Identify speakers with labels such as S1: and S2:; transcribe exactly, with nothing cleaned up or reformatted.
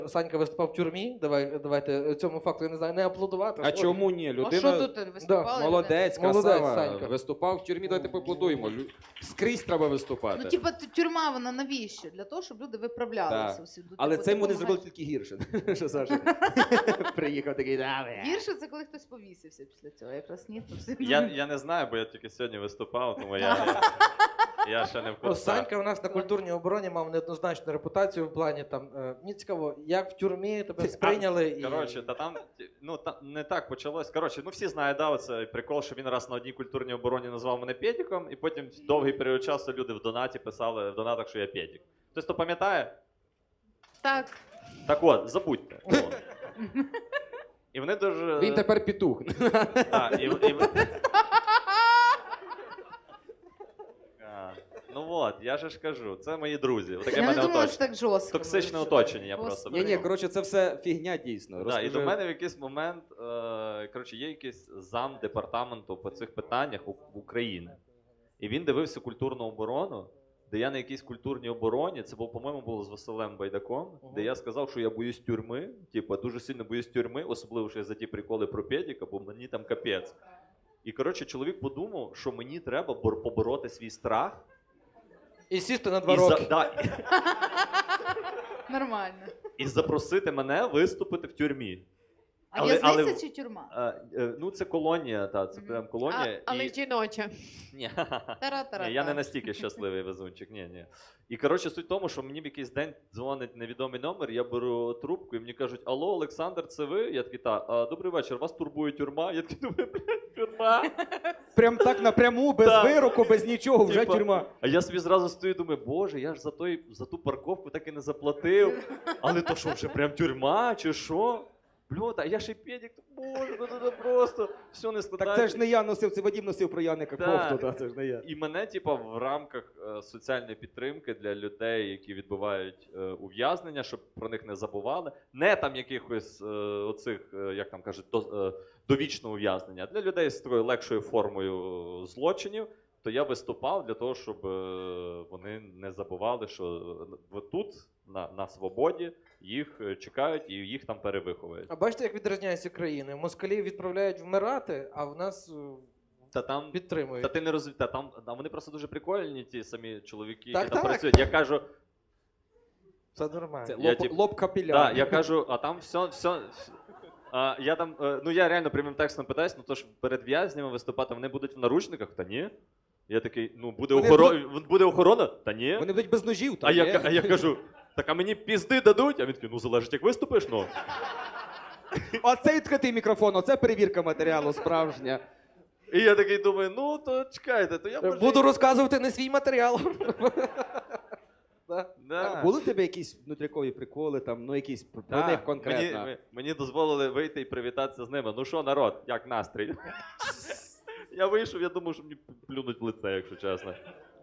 S1: Санька виступав в тюрмі, давай, давайте цьому факту, я не знаю, не аплодувати.
S2: А
S1: Ой.
S2: чому ні?
S3: А
S2: Людина
S3: що тут виступали?
S2: молодець,
S1: Молодець,
S2: красава,
S1: Санька.
S2: виступав в тюрмі, давайте поаплодуємо. Лю- Скрізь треба виступати.
S3: Ну, типа, т- тюрма, вона навіщо? Для того, щоб люди виправлялися.
S2: Так.
S3: всюди.
S2: Але
S3: Типу,
S2: це йому не
S3: допомагаєш.
S2: зробили тільки гірше. Що Саша приїхав такий, да, бля.
S3: Гірше це коли хтось повісився після цього. Якраз ні, то всі-
S4: Я, я не знаю, бо я тільки сьогодні виступав, тому я, я ще не в
S1: Ну,
S4: курсах.
S1: Санька у нас на культурній обороні мав неоднозначну репутацію в плані там. е, Мені цікаво, як в тюрмі тебе сприйняли і.
S4: Коротше, та там ну та не так почалось. Коротше, ну всі знають, да, оце прикол, що він раз на одній культурній обороні назвав мене Пєдіком, і потім довгий період часу люди в донаті писали в донатах, що я Пєдік. Хтось то пам'ятає?
S3: Так.
S4: Так от, забудьте. Ну. І вони дуже.
S2: Він тепер петух.
S4: Так, і, і... А, ну от, я же ж кажу, це мої друзі. Таке
S3: Я не
S4: мене
S3: думала, що
S4: оточення.
S3: так жорстко.
S4: Токсичне
S3: було,
S4: оточення я
S3: що-
S4: просто
S2: Ні, ні,
S4: прийняв.
S2: коротше, це все фігня дійсно.
S4: Да, і
S2: Розкажи.
S4: до мене в якийсь момент, е, коротше, є якийсь зам департаменту по цих питаннях у, в Україні. І він дивився культурну оборону, де я на якійсь культурній обороні, це був, по-моєму, було з Василем Байдаком,
S1: Ага.
S4: де я сказав, що я боюсь тюрми, типу, дуже сильно боюсь тюрми, особливо що я за ті приколи про педіка, бо мені там капець. І, коротше, чоловік подумав, що мені треба бор- побороти свій страх.
S1: І сісти на два
S4: І, за,
S1: роки.
S4: да,
S3: Нормально.
S4: і запросити мене виступити в тюрмі.
S3: А
S4: Але-
S3: в'язниця
S4: але-
S3: чи тюрма?
S4: Е, е, ну, це колонія, та, це
S3: Мгм.
S4: прям колонія.
S5: А, але
S4: і...
S5: жіноча.
S4: Ні.
S3: Тара-тара-та.
S4: Ні, я не настільки щасливий везунчик. Ні, ні. І коротше, суть в тому, що мені в якийсь день дзвонить невідомий номер, я беру трубку і мені кажуть: алло, Олександр, це ви? Я такий, та, а, добрий вечір, вас турбує тюрма? Я такий думаю, блядь, тюрма.
S2: Прям так напряму, без
S4: Так.
S2: вироку, без нічого, вже
S4: Типа,
S2: тюрма.
S4: А я собі зразу стою і думаю, боже, я ж за, той, за ту парковку так і не заплатив. Але то що, вже прям тюрма чи що? Бльот, а я ще й педик, боже, ну це просто все не
S2: Так
S4: складається.
S2: це ж не я носив, це Вадім носив про Яника
S4: Так.
S2: кофту, та, це ж не я.
S4: І мене, типа, в рамках е, соціальної підтримки для людей, які відбувають е, ув'язнення, щоб про них не забували, не там якихось е, оцих, е, як там кажуть, до, е, довічного ув'язнення, а для людей з такою легшою формою е, злочинів, то я виступав для того, щоб е, вони не забували, що е, тут, на, на свободі, їх е, чекають і їх там перевиховують.
S1: А бачите, як відрізняються країни? Москалів відправляють вмирати, а в нас е,
S4: Та там
S1: підтримують.
S4: Та ти не розумієш, та там, там вони просто дуже прикольні, ті самі чоловіки,
S1: Так,
S4: які там
S1: так.
S4: працюють. Я кажу,
S1: Це нормально.
S2: Це
S4: Я
S2: лоб,
S4: тип-
S2: лоб капіляр.
S4: да, я кажу, а там все, все. А, я там, е, ну я реально прямим текстом питаюсь, ну то ж перед в'язнями виступати, вони будуть в наручниках? Та ні. Я такий, ну буде,
S2: Вони
S4: охоро... буде охорона? Та ні.
S2: Вони будуть без ножів.
S4: А
S2: там,
S4: я,
S2: ні?
S4: ка- а я кажу, так а мені пізди дадуть? А він такий, ну залежить, як виступиш, ну.
S2: Оце відкритий мікрофон, оце перевірка матеріалу справжня.
S4: І я такий думаю, ну то чекайте, то я може...
S1: Буду розказувати не свій матеріал. Да.
S4: Да.
S2: Були в тебе якісь внутрікові приколи, там, ну якісь про
S4: Так,
S2: них конкретно?
S4: Мені, мені дозволили вийти і привітатися з ними. Ну що, народ, як настрій? Я вийшов, я думав, що мені плюнуть в лице, якщо чесно.